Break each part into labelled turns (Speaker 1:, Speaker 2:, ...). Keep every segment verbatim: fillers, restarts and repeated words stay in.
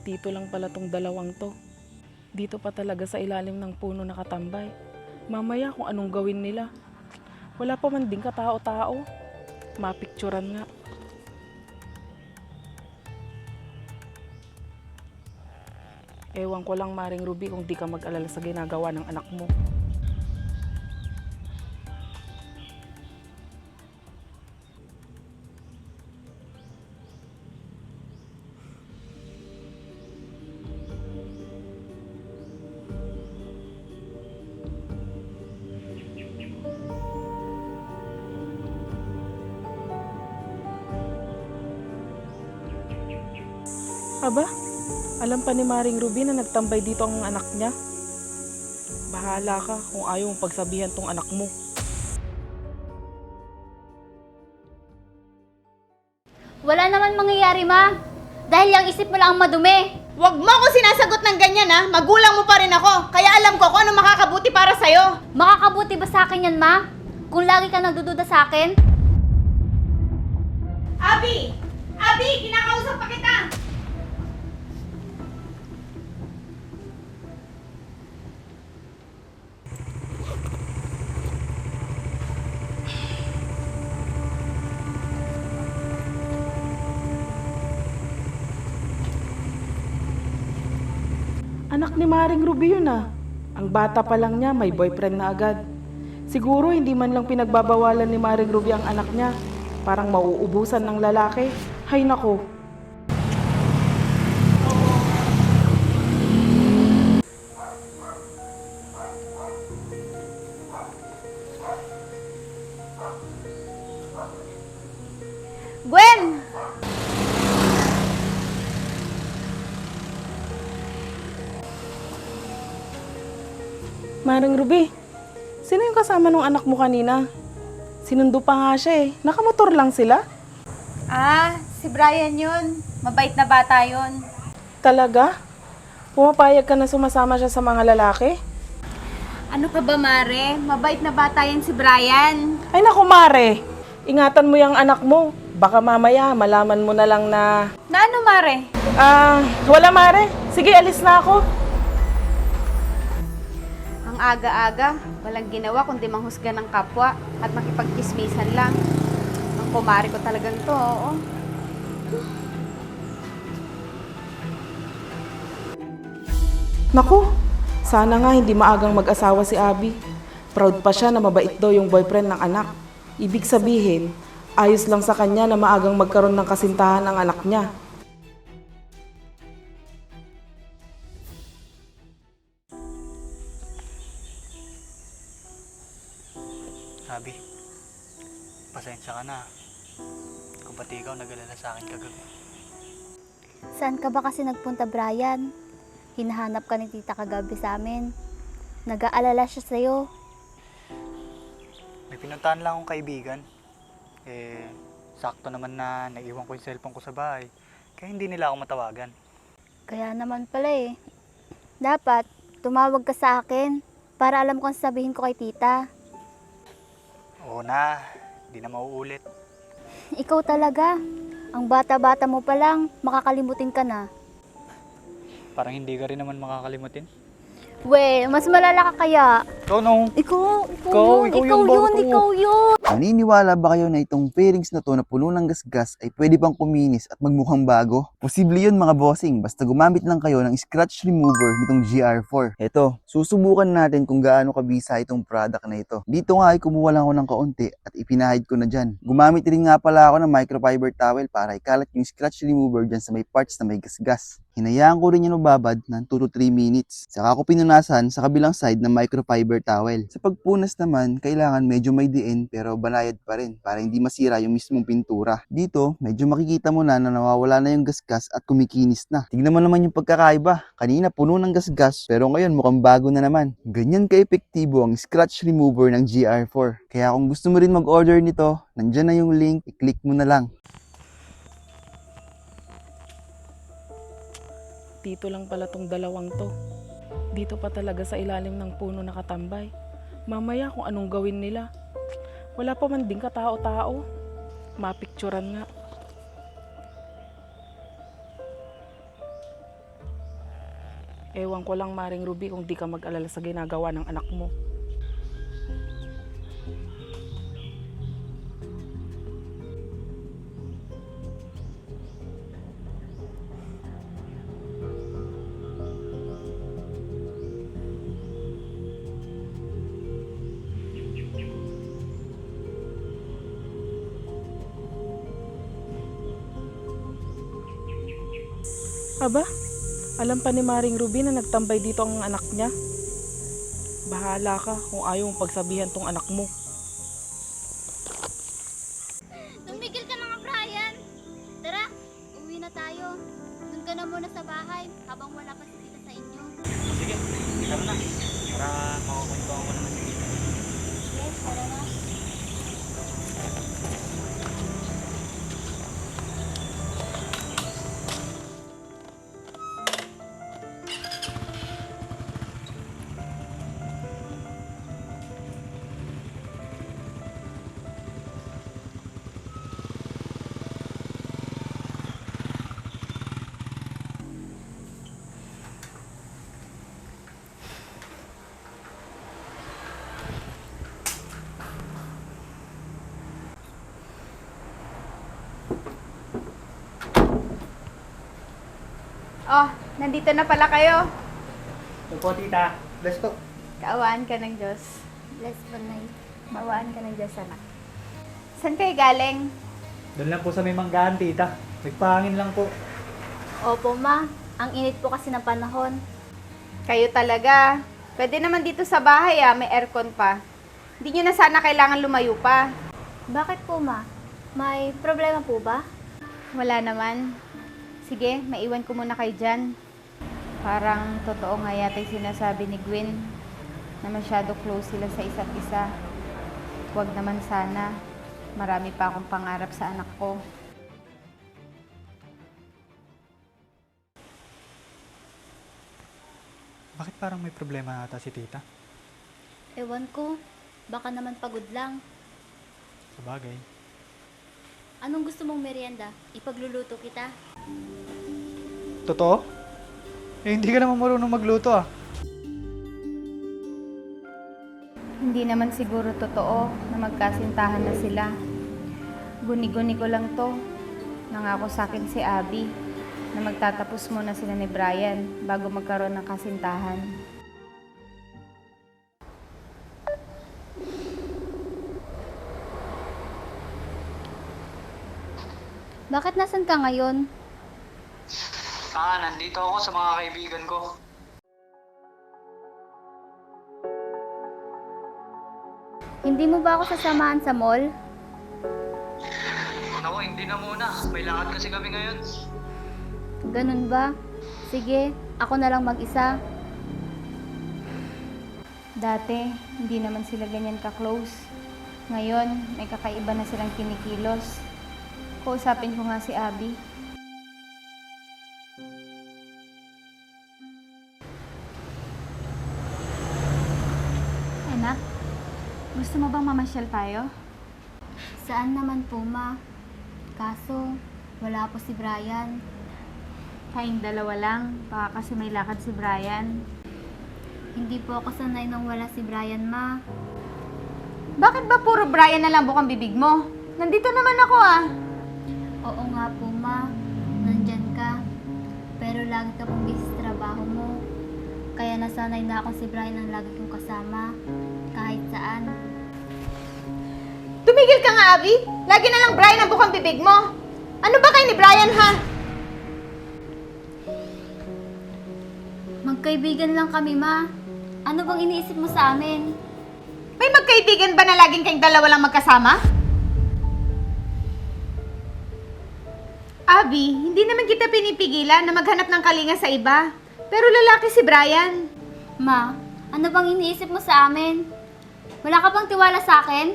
Speaker 1: Dito lang pala tong dalawang to. Dito pa talaga sa ilalim ng puno nakatambay. Mamaya kung anong gawin nila. Wala pa man din katao-tao. Mapicturan nga. Ewan ko lang, Maring Ruby, kung di ka mag-alala sa ginagawa ng anak mo. Aba, alam pa ni Maring Ruby na nagtambay dito ang anak niya. Bahala ka kung ayaw mong pagsabihan tong anak mo.
Speaker 2: Wala naman mangyayari, ma. Dahil yung isip mo lang ang madumi.
Speaker 3: Huwag mo ako sinasagot ng ganyan, ha? Magulang mo pa rin ako. Kaya alam ko kung ano makakabuti para sa'yo.
Speaker 2: Makakabuti ba sa akin yan, ma? Kung lagi ka nagdududa sa akin?
Speaker 3: Abi! Abi! Kinakausap pa kita!
Speaker 1: Anak ni Maring Ruby yun ah. Ang bata pa lang niya, may boyfriend na agad. Siguro hindi man lang pinagbabawalan ni Maring Ruby ang anak niya. Parang mauubusan ng lalaki. Hay nako.
Speaker 3: Gwen!
Speaker 1: Maring Ruby, sino yung kasama ng anak mo kanina? Sinundo pa nga siya eh. Nakamotor lang sila?
Speaker 3: Ah, si Brian yun. Mabait na bata yun.
Speaker 1: Talaga? Pumapayag ka na sumasama siya sa mga lalaki?
Speaker 3: Ano ka ba, Mare? Mabait na bata yan si Brian.
Speaker 1: Ay naku Mare, ingatan mo yung anak mo. Baka mamaya malaman mo na lang na...
Speaker 3: Na ano, Mare?
Speaker 1: Ah, wala Mare. Sige, alis na ako.
Speaker 3: Ang aga-aga, walang ginawa kundi manghusga ng kapwa at makipagkismisan lang. Ang kumari ko talagang to, oo.
Speaker 1: Naku, sana nga hindi maagang mag-asawa si Abby. Proud pa siya na mabait daw yung boyfriend ng anak. Ibig sabihin, ayos lang sa kanya na maagang magkaroon ng kasintahan ang anak niya.
Speaker 4: Abby, pasensya ka na. Kung pati ikaw nag-alala sa akin kagabi.
Speaker 2: Saan ka ba kasi nagpunta, Brian? Hinahanap ka ni tita kagabi sa amin. Nag-aalala siya sa'yo.
Speaker 4: May pinuntahan lang akong kaibigan. Eh, sakto naman na naiwan ko yung cellphone ko sa bahay. Kaya hindi nila ako matawagan.
Speaker 2: Kaya naman pala eh. Dapat, tumawag ka sa akin para alam ko ang sabihin ko kay tita.
Speaker 4: Oo na, di na mauulit.
Speaker 2: Ikaw talaga. Ang bata-bata mo pa lang, makakalimutin ka na.
Speaker 4: Parang hindi ka rin naman makakalimutin.
Speaker 2: We, mas malala ka kaya.
Speaker 4: Ikaw no.
Speaker 2: Ikaw, ikaw,
Speaker 4: Ikaw,
Speaker 2: yun,
Speaker 4: ikaw
Speaker 2: ikaw
Speaker 4: yung
Speaker 2: yun,
Speaker 4: bago.
Speaker 2: ikaw yun.
Speaker 5: Naniniwala ba kayo na itong fairings na to na puno ng gasgas ay pwede pang kuminis at magmukhang bago? Posible yun mga bossing, basta gumamit lang kayo ng scratch remover nitong G R four. Eto, susubukan natin kung gaano kabisa itong product na ito. Dito nga ay kumuha lang ako ng kaunti at ipinahid ko na dyan. Gumamit rin nga pala ako ng microfiber towel para ikalat yung scratch remover dyan sa may parts na may gasgas. Hinayaan ko rin yung babad ng two to three minutes. Saka ko pinunasan sa kabilang side ng microfiber towel. Sa pagpunas naman, kailangan medyo may diin pero banayad pa rin para hindi masira yung mismong pintura. Dito, medyo makikita mo na na nawawala na yung gasgas at kumikinis na. Tignan mo naman yung pagkakaiba. Kanina puno ng gasgas pero ngayon mukhang bago na naman. Ganyan ka-epektibo ang scratch remover ng G R four. Kaya kung gusto mo rin mag-order nito, nandyan na yung link, i-click mo na lang.
Speaker 1: Dito lang pala tong dalawang to. Dito pa talaga sa ilalim ng puno nakatambay. Mamaya kung anong gawin nila. Wala pa man din katao-tao. Mapicturan nga. Ewan ko lang, Maring Ruby, kung di ka mag-alala sa ginagawa ng anak mo. Aba, alam pa ni Maring Ruby na nagtambay dito ang anak niya. Bahala ka kung ayaw mong pagsabihan tong anak mo.
Speaker 2: Tumigil ka na nga, Brian! Tara, uwi na tayo. Doon ka na muna sa bahay habang wala pa si tita sa inyo.
Speaker 4: Sige, tara na. Para makakwentuhan ko naman si Tita.
Speaker 2: Yes, tara na.
Speaker 3: Oh, nandito na pala kayo.
Speaker 4: Ito po, Tita. Bless po.
Speaker 3: Kaawaan ka ng Diyos.
Speaker 2: Bless po, Nay.
Speaker 3: Mawaan ka ng Diyos, anak. Saan kayo galing?
Speaker 4: Doon lang po sa may manggahan, Tita. Nagpahangin lang po.
Speaker 2: Opo, Ma. Ang init po kasi ng panahon.
Speaker 3: Kayo talaga. Pwede naman dito sa bahay ah, may aircon pa. Hindi nyo na sana kailangan lumayo pa.
Speaker 2: Bakit po, Ma? May problema po ba?
Speaker 3: Wala naman. Sige, maiwan ko muna kayo dyan. Parang totoo nga yata yung sinasabi ni Gwen na masyado close sila sa isa't isa. Huwag naman sana. Marami pa akong pangarap sa anak ko.
Speaker 4: Bakit parang may problema ata si Tita?
Speaker 2: Ewan ko. Baka naman pagod lang.
Speaker 4: Sa bagay.
Speaker 2: Anong gusto mong merienda? Ipagluluto kita.
Speaker 4: Totoo? Eh, hindi ka naman marunong magluto ah.
Speaker 3: Hindi naman siguro totoo na magkasintahan na sila. Guni-guni ko lang to. Nangako sa akin si Abby na magtatapos muna sila ni Brian bago magkaroon ng kasintahan.
Speaker 2: Bakit nasan ka ngayon?
Speaker 4: Ah, nandito ako sa mga kaibigan ko.
Speaker 2: Hindi mo ba ako sasamahan sa mall?
Speaker 4: Ako, hindi na muna. May lakad kasi kami ngayon.
Speaker 2: Ganun ba? Sige, ako na lang mag-isa.
Speaker 3: Dati, hindi naman sila ganyan ka-close. Ngayon, may kakaiba na silang kinikilos. Kausapin ko nga si Abby. Anak, gusto mo bang mamasyal tayo?
Speaker 2: Saan naman po, Ma? Kaso, wala po si Brian.
Speaker 3: Kayong dalawa lang, baka kasi may lakad si Brian.
Speaker 2: Hindi po ako sanay nang wala si Brian, Ma.
Speaker 3: Bakit ba puro Brian na lang bukang bibig mo? Nandito naman ako ah.
Speaker 2: Oo nga po, Ma. Nandyan ka. Pero lagi ka pong busy sa trabaho mo. Kaya nasanay na ako si Brian ang lagi kong kasama. Kahit saan.
Speaker 3: Tumigil ka nga, Abby! Lagi na lang Brian ang bukang bibig mo! Ano ba kayo ni Brian, ha?
Speaker 2: Magkaibigan lang kami, Ma. Ano bang iniisip mo sa amin?
Speaker 3: May magkaibigan ba na laging kayong dalawa lang magkasama? Abby, hindi naman kita pinipigilan na maghanap ng kalinga sa iba. Pero lalaki si Brian.
Speaker 2: Ma, ano bang iniisip mo sa amin? Wala ka bang tiwala sa akin?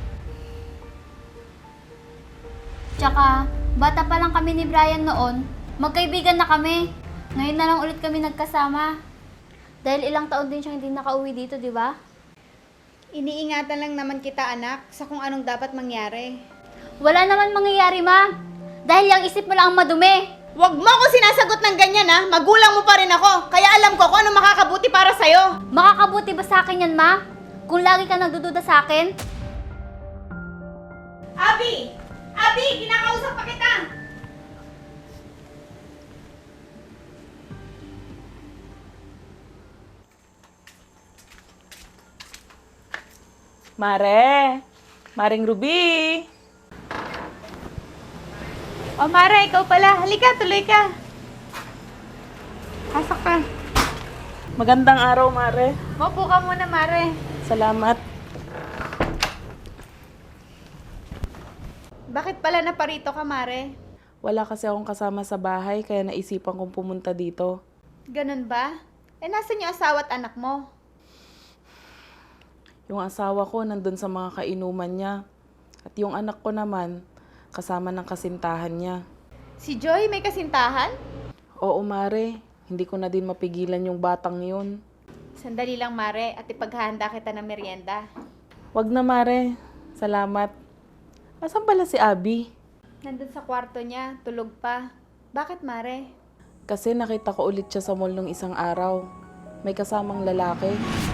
Speaker 2: Tsaka, bata pa lang kami ni Brian noon, magkaibigan na kami. Ngayon na lang ulit kami nagkasama. Dahil ilang taon din siyang hindi nakauwi dito, di ba?
Speaker 3: Iniingatan lang naman kita, anak, sa kung anong dapat mangyari.
Speaker 2: Wala naman mangyayari, Ma. Dahil yung isip mo lang ang madumi.
Speaker 3: Huwag mo ako sinasagot ng ganyan ha. Magulang mo pa rin ako. Kaya alam ko kung ano makakabuti para sa'yo.
Speaker 2: Makakabuti ba sa akin yan, ma? Kung lagi ka nagdududa sa akin?
Speaker 3: Abi! Abi! Kinakausap pa kita!
Speaker 1: Mare! Maring Ruby!
Speaker 3: O Mare, ikaw pala. Halika, tuloy ka. Pasok ka.
Speaker 1: Magandang araw, Mare.
Speaker 3: Maupo ka muna, Mare.
Speaker 1: Salamat.
Speaker 3: Bakit pala naparito ka, Mare?
Speaker 1: Wala kasi akong kasama sa bahay kaya naisipan kong pumunta dito.
Speaker 3: Ganun ba? Eh, nasan yung asawa at anak mo?
Speaker 1: Yung asawa ko nandun sa mga kainuman niya. At yung anak ko naman, kasama ng kasintahan niya.
Speaker 3: Si Joy may kasintahan?
Speaker 1: Oo, Mare. Hindi ko na din mapigilan yung batang yun.
Speaker 3: Sandali lang, Mare, at ipaghahanda kita ng merienda.
Speaker 1: Wag na, Mare. Salamat. Asan pala si Abby?
Speaker 3: Nandun sa kwarto niya, tulog pa. Bakit, Mare?
Speaker 1: Kasi nakita ko ulit siya sa mall nung isang araw. May kasamang lalaki.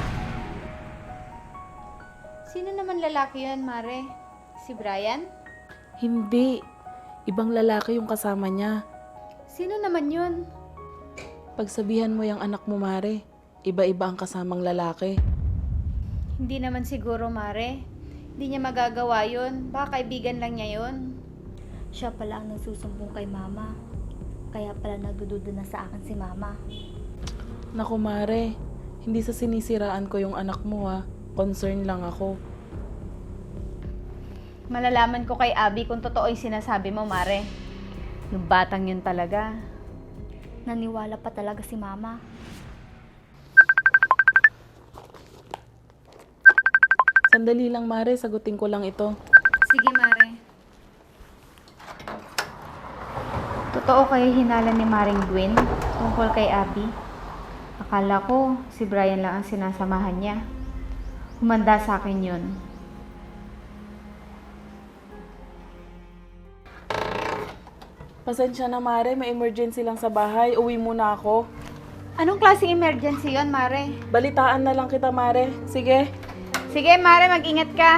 Speaker 3: Sino naman lalaki yun, Mare? Si Brian?
Speaker 1: Hindi. Ibang lalaki yung kasama niya.
Speaker 3: Sino naman yun?
Speaker 1: Pagsabihan mo yung anak mo, Mare. Iba-iba ang kasamang lalaki.
Speaker 3: Hindi naman siguro, Mare. Hindi niya magagawa yun. Baka kaibigan lang niya yun.
Speaker 2: Siya pala ang nagsusumbong kay mama. Kaya pala nagdududa na sa akin si mama.
Speaker 1: Naku, Mare. Hindi sa sinisiraan ko yung anak mo, ha. Concern lang ako.
Speaker 3: Malalaman ko kay Abby kung totoo yung sinasabi mo, Mare. Yung batang yun talaga.
Speaker 2: Naniwala pa talaga si mama.
Speaker 1: Sandali lang, Mare. Sagutin ko lang ito.
Speaker 3: Sige, Mare. Totoo kayo hinala ni Maring Gwen tungkol kay Abby? Akala ko si Brian lang ang sinasamahan niya. Humanda sa akin yun.
Speaker 1: Pasensya na, Mare. May emergency lang sa bahay. Uwi muna ako.
Speaker 3: Anong klaseng emergency yon, Mare?
Speaker 1: Balitaan na lang kita, Mare. Sige.
Speaker 3: Sige, Mare, mag-ingat ka.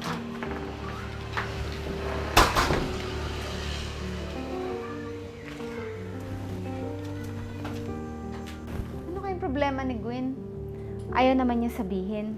Speaker 3: Ano kayong problema ni Gwen? Ayaw naman niya sabihin.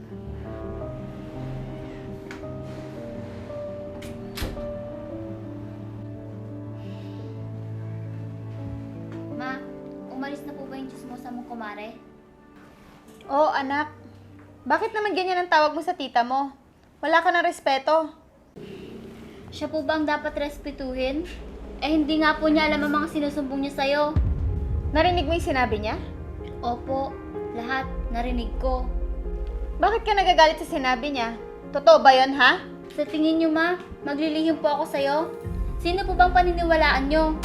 Speaker 2: Ma, umalis na po ba yung chismosa mong kumare?
Speaker 3: Oo, anak. Bakit naman ganyan ang tawag mo sa tita mo? Wala ka ng respeto.
Speaker 2: Siya po ba ang dapat respetuhin? Eh hindi nga po niya alam ang mga sinusumbong niya sa'yo.
Speaker 3: Narinig mo yung sinabi niya?
Speaker 2: Opo, lahat narinig ko.
Speaker 3: Bakit ka nagagalit sa sinabi niya? Totoo ba yon, ha?
Speaker 2: Sa tingin niyo, ma, maglilihim po ako sa'yo? Sino po bang paniniwalaan niyo?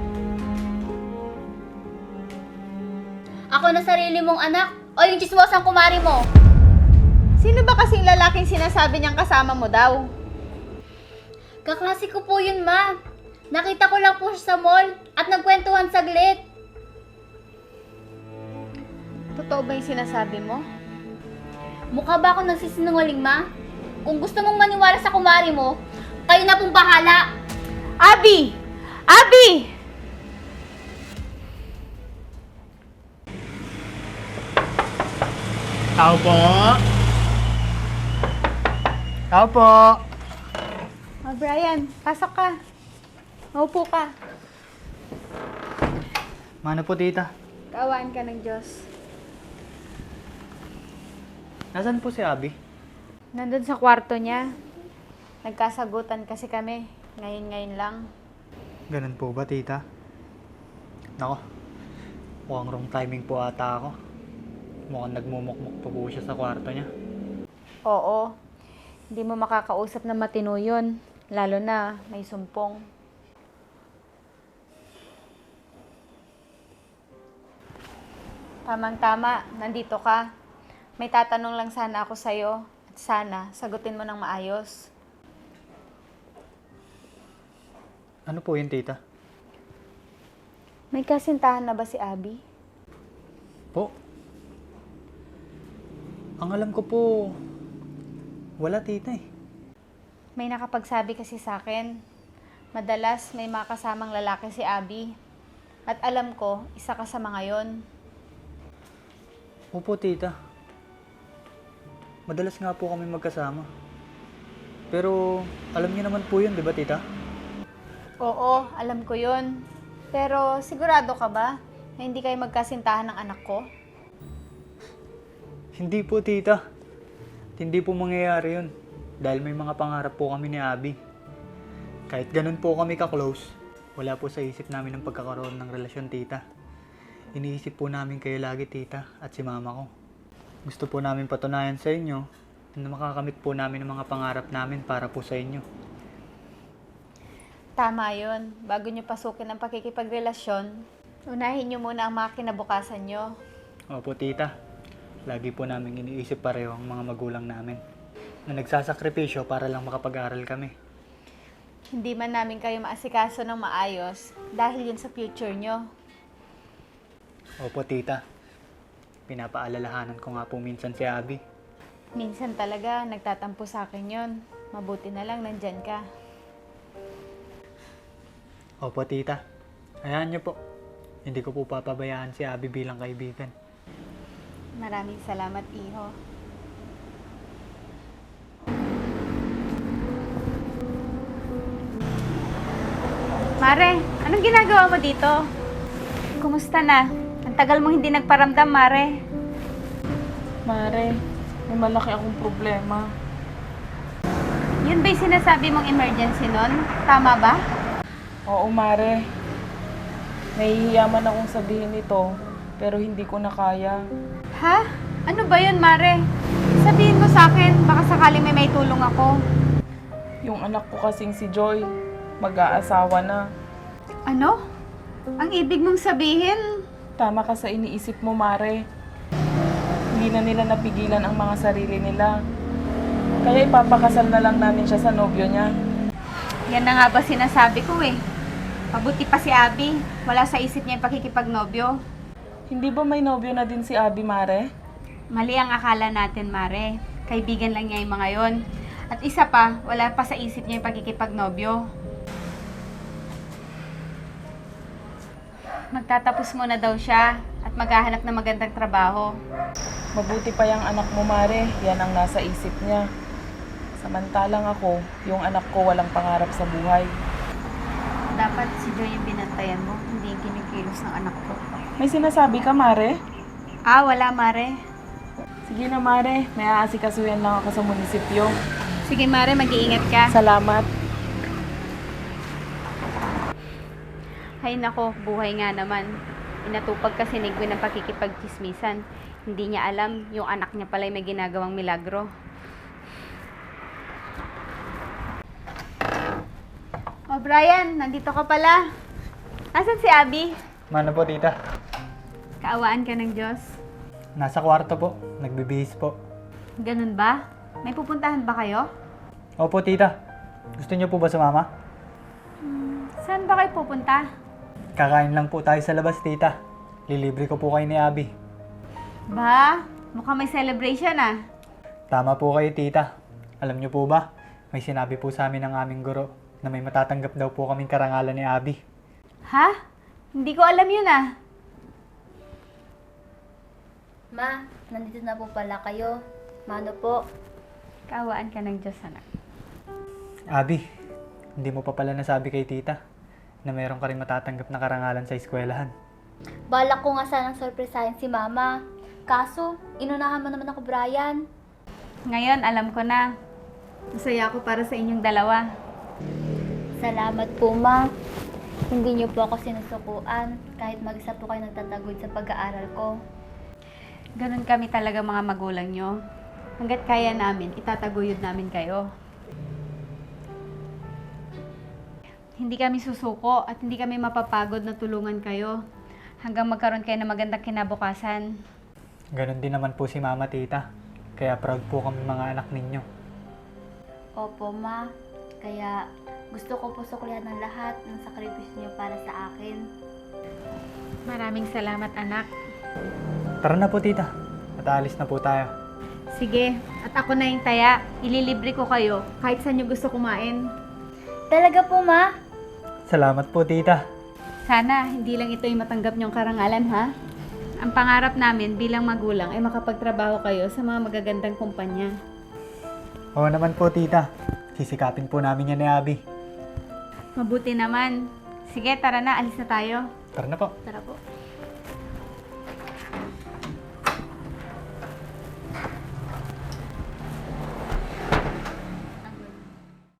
Speaker 2: Ako na sarili mong anak o yung chismosang kumari mo?
Speaker 3: Sino ba kasing lalaking sinasabi niyang kasama mo daw?
Speaker 2: Kaklase ko po yun, ma. Nakita ko lang po siya sa mall at nagkwentuhan saglit.
Speaker 3: Totoo ba yung sinasabi mo?
Speaker 2: Mukha ba ako nagsisinungaling, ma? Kung gusto mong maniwala sa kumari mo, kayo na pong bahala.
Speaker 3: Abby! Abby!
Speaker 4: Tao po! Tao po!
Speaker 3: Oh, Brian, pasok ka. Maupo ka.
Speaker 4: Mano po, tita?
Speaker 3: Kaawaan ka ng Diyos.
Speaker 4: Nasaan po si Abby?
Speaker 3: Nandun sa kwarto niya. Nagkasagutan kasi kami. Ngayon-ngayon lang.
Speaker 4: Ganun po ba, tita? Nako, mukhang wrong timing po ata ako. Mukhang nagmumukmuk po po siya sa kwarto niya.
Speaker 3: Oo. Hindi mo makakausap na matino yun. Lalo na may sumpong. Tamang-tama, nandito ka. May tatanong lang sana ako sa'yo. At sana, sagutin mo ng maayos.
Speaker 4: Ano po yun, tita?
Speaker 3: May kasintahan na ba si Abby?
Speaker 4: Po? Ang alam ko po, wala tita eh.
Speaker 3: May nakapagsabi kasi sa akin, madalas may mga kasamang lalaki si Abby. At alam ko, isa ka sa mga yon.
Speaker 4: Opo tita. Madalas nga po kami magkasama. Pero alam niyo naman po yun, di ba tita?
Speaker 3: Oo, alam ko yon. Pero sigurado ka ba na hindi kayo magkasintahan ng anak ko?
Speaker 4: Hindi po tita. Hindi po mangyayari yun. Dahil may mga pangarap po kami ni Abby. Kahit ganun po kami ka-close, wala po sa isip namin ang pagkakaroon ng relasyon tita. Iniisip po namin kayo lagi tita at si mama ko. Gusto po namin patunayan sa inyo na makakamit po namin ang mga pangarap namin para po sa inyo.
Speaker 3: Tama yon. Bago nyo pasukin ang pakikipagrelasyon, unahin nyo muna ang mga kinabukasan nyo.
Speaker 4: Opo tita, lagi po namin iniisip pareho ang mga magulang namin na nagsasakripisyo para lang makapag-aral kami.
Speaker 3: Hindi man namin kayo maasikaso ng maayos dahil yun sa future nyo.
Speaker 4: Opo tita, pinapaalalahanan ko nga po minsan si Abby.
Speaker 3: Minsan talaga nagtatampo sa akin yon. Mabuti na lang nandyan ka.
Speaker 4: Opo tita, hayaan niyo po. Hindi ko po papabayaan si Abby bilang kaibigan.
Speaker 3: Maraming salamat, Iho. Mare, anong ginagawa mo dito? Kumusta na? Ang tagal mo hindi nagparamdam, Mare.
Speaker 1: Mare, may malaki akong problema.
Speaker 3: Yun ba'y sinasabi mong emergency nun? Tama ba?
Speaker 1: Oo, Mare. Nahihiyaman akong sabihin ito, pero hindi ko na kaya.
Speaker 3: Ha? Ano ba yun, Mare? Sabihin mo sa akin, baka sakaling may may tulong ako.
Speaker 1: Yung anak ko kasing si Joy, mag-aasawa na.
Speaker 3: Ano? Ang ibig mong sabihin?
Speaker 1: Tama ka sa iniisip mo, Mare. Hindi na nila napigilan ang mga sarili nila. Kaya ipapakasal na lang namin siya sa nobyo niya.
Speaker 3: Yan na nga ba sinasabi ko eh. Pabuti pa si Abby. Wala sa isip niya yung pakikipagnobyo.
Speaker 1: Hindi ba may nobyo na din si Abby, Mare?
Speaker 3: Mali ang akala natin, Mare. Kaibigan lang niya yung mga yon. At isa pa, wala pa sa isip niya yung pakikipagnobyo. Magtatapos muna daw siya at maghahanap ng magandang trabaho.
Speaker 1: Mabuti pa yung anak mo, Mare. Yan ang nasa isip niya. Samantalang ako, yung anak ko walang pangarap sa buhay.
Speaker 3: Dapat si Joy yung binantayan mo, hindi yung kinikilos ng anak ko.
Speaker 1: May sinasabi ka, Mare?
Speaker 3: Ah, wala, Mare.
Speaker 1: Sige na, Mare. May aasikasuyan lang ako sa munisipyo.
Speaker 3: Sige, Mare, mag-iingat ka.
Speaker 1: Salamat.
Speaker 3: Hay nako, buhay nga naman. Inatupag kasi ni Gwen ng pakikipagchismisan. Hindi niya alam, yung anak niya pala may ginagawang milagro. Oh, Brian, nandito ka pala. Nasaan si Abby?
Speaker 4: Mano po tita?
Speaker 3: Kaawaan ka ng Diyos.
Speaker 4: Nasa kwarto po, nagbibihis po.
Speaker 3: Ganun ba? May pupuntahan ba kayo?
Speaker 4: Opo tita, gusto niyo po ba sumama?
Speaker 3: Saan ba kayo pupunta?
Speaker 4: Kakain lang po tayo sa labas tita. Lilibre ko po kayo ni Abby.
Speaker 3: Ba, mukhang may celebration ah.
Speaker 4: Tama po kayo tita. Alam niyo po ba, may sinabi po sa amin ng aming guro na may matatanggap daw po kaming karangalan ni Abby.
Speaker 3: Ha? Hindi ko alam yun ah.
Speaker 2: Ma, nandito na po pala kayo. Mano po?
Speaker 3: Kaawaan ka ng Diyos, anak.
Speaker 4: Abby, hindi mo pa pala nasabi kay tita na mayroon ka rin matatanggap na karangalan sa eskwelahan.
Speaker 2: Balak ko nga sanang sorpresahin si Mama. Kaso, inunahan mo naman ako, Brian.
Speaker 3: Ngayon, alam ko na. Masaya ako para sa inyong dalawa.
Speaker 2: Salamat po, Ma. Hindi niyo po ako sinusukuan kahit mag-isa po kayo nagtatagod sa pag-aaral ko.
Speaker 3: Ganun kami talaga mga magulang nyo. Hanggat kaya namin, itataguyod namin kayo. Hindi kami susuko at hindi kami mapapagod na tulungan kayo hanggang magkaroon kayo ng magandang kinabukasan.
Speaker 4: Ganon din naman po si mama tita. Kaya proud po kami mga anak ninyo.
Speaker 2: Opo, Ma. Kaya gusto ko po suklihan ng lahat ng sakripisyo niyo para sa akin.
Speaker 3: Maraming salamat, anak.
Speaker 4: Tara na po, tita. At aalis na po tayo.
Speaker 3: Sige, at ako na yung taya. Ililibre ko kayo kahit saan nyo gusto kumain.
Speaker 2: Talaga po, ma?
Speaker 4: Salamat po, tita.
Speaker 3: Sana hindi lang ito yung matanggap nyong karangalan, ha? Ang pangarap namin bilang magulang ay makapagtrabaho kayo sa mga magagandang kumpanya.
Speaker 4: Oo naman po, tita. Sisikapin po namin yan ni Abby.
Speaker 3: Mabuti naman. Sige, tara na, alis na tayo.
Speaker 4: Tara na po.
Speaker 3: Tara po.